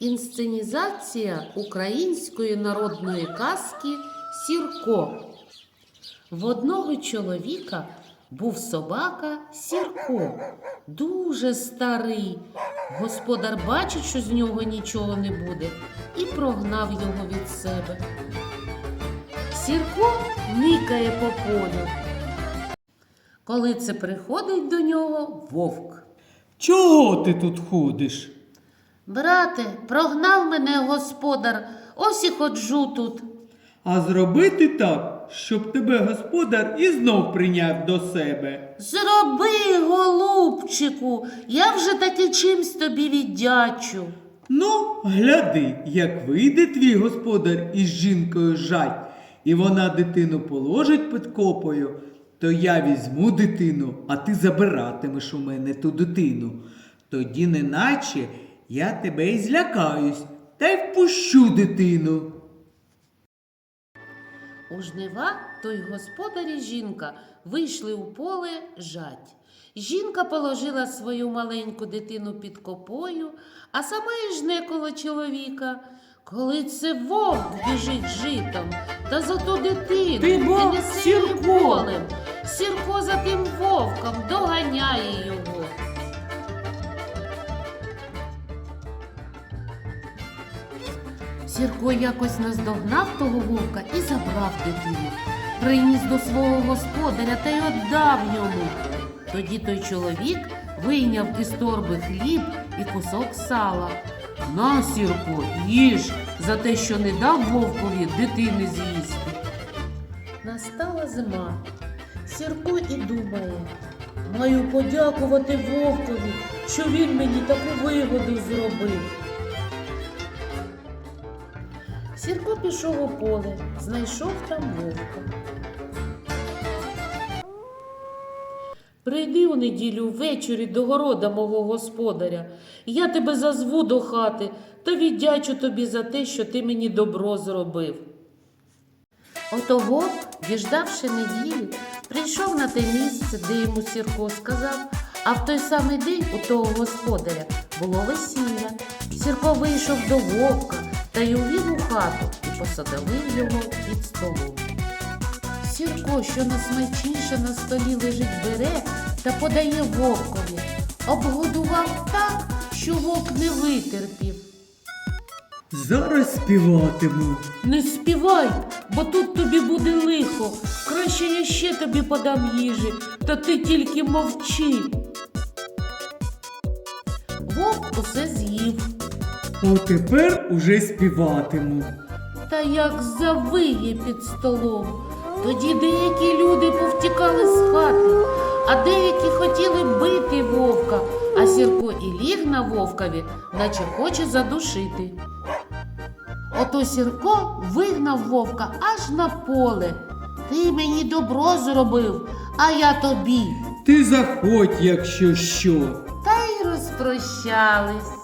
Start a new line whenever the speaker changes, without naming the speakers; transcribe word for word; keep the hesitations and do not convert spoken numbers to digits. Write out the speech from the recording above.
Інсценізація української народної казки «Сірко». В одного чоловіка був собака Сірко, дуже старий. Господар бачить, що з нього нічого не буде, і прогнав його від себе. Сірко никає по полю. Коли це приходить до нього вовк.
Чого ти тут ходиш?
Брате, прогнав мене господар, ось і ходжу тут.
А зробити так, щоб тебе господар і знов прийняв до себе.
Зроби, голубчику, я вже таки чимсь тобі віддячу.
Ну, гляди, як вийде твій господар із жінкою жать, і вона дитину положить під копою, то я візьму дитину, а ти забиратимеш у мене ту дитину. Тоді неначе я тебе і злякаюсь, та й впущу дитину.
У жнива той господар і жінка вийшли у поле жать. Жінка положила свою маленьку дитину під копою, а сама і жне коло чоловіка. Коли це вовк біжить житом, та за ту дитину
Ти бо,
і несе її
Сірко!
полем. Сірко за тим вовком доганяє його. Сірко якось наздогнав того вовка і забрав дитину. Приніс до свого господаря та й віддав йому. Тоді той чоловік вийняв із торби хліб і кусок сала. На, Сірко, їж за те, що не дав вовкові дитини з'їсти. Настала зима. Сірко і думає: маю подякувати вовкові, що він мені таку вигоду зробив. Сірко пішов у поле, знайшов там вовка. Прийди у неділю ввечері до города мого господаря. Я тебе зазву до хати та віддячу тобі за те, що ти мені добро зробив. Ото вовк, діждавши неділі, прийшов на те місце, де йому Сірко сказав, а в той самий день у того господаря було весілля. Сірко вийшов до вовка та й увів у хату і посадовив його під столом. Сірко, що найсмачніше на столі лежить, бере та подає вовкові. Обгодував так, що вовк не витерпів.
Зараз співатиму.
Не співай, бо тут тобі буде лихо. Краще я ще тобі подам їжі, та ти тільки мовчи. Вовк усе з'їв.
О, тепер уже співатиму.
Та як завиє під столом. Тоді деякі люди повтікали з хати, а деякі хотіли бити вовка, а Сірко і ліг на вовкові, наче хоче задушити. Ото Сірко вигнав вовка аж на поле. Ти мені добро зробив, а я тобі.
Ти заходь, якщо що.
Та й розпрощались.